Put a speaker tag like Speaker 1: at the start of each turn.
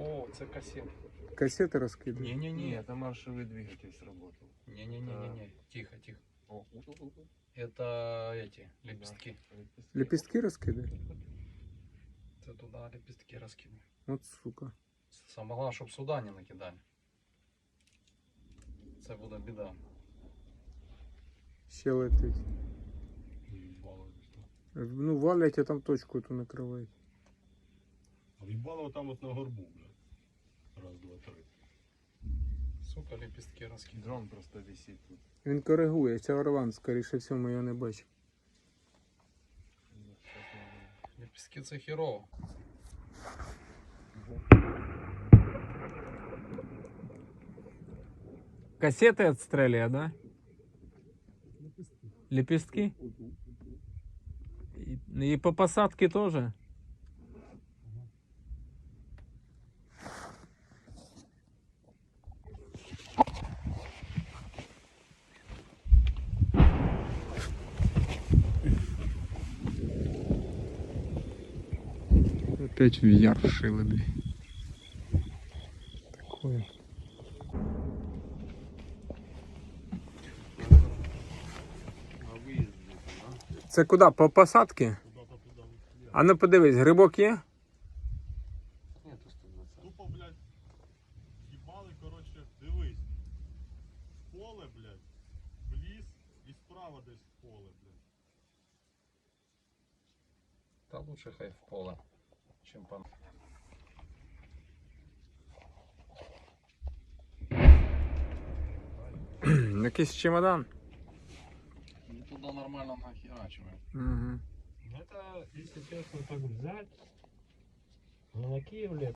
Speaker 1: О, це кассета.
Speaker 2: Кассети розкидають.
Speaker 1: Не-не-не.
Speaker 3: Это маршевый двигатель сработал.
Speaker 1: Не-не-не-не. Тихо, тихо.
Speaker 3: О,
Speaker 1: Это эти лепестки.
Speaker 2: Лепістки розкидають?
Speaker 1: Це туди лепестки розкинув.
Speaker 2: От сука.
Speaker 1: Саме головне, щоб сюди не накидали. Це буде біда.
Speaker 2: Ще летить. Ну, валять, а там точку ту накривають.
Speaker 4: В'їбало там от на горбу, блядь. Раз, два, три.
Speaker 1: Сука, лепестки розкидав.
Speaker 3: Дрон просто висит тут.
Speaker 2: Він коригує, це Орлан, скоріше всього, я не бачу.
Speaker 1: Лепестки це херово.
Speaker 2: Кассети отстрелює, да? Лепестки? И по посадке тоже? Опять в яр вшили, блин. Такое.
Speaker 4: На виїзді, да?
Speaker 2: Це куди? По посадці?
Speaker 4: Куда-то туди.
Speaker 2: А ну подивись, грибок є?
Speaker 3: Нет, 120.
Speaker 4: Тупо, блядь, їбали, коротше, дивись. В поле, блядь, в ліс і справа десь в поле, блядь.
Speaker 1: Та лучше хай в поле, чим пан.
Speaker 2: Якийсь чемодан.
Speaker 1: Ну туди нормально нахерачиваем.
Speaker 2: Угу.
Speaker 4: Это, если честно, так взять, на Киев лет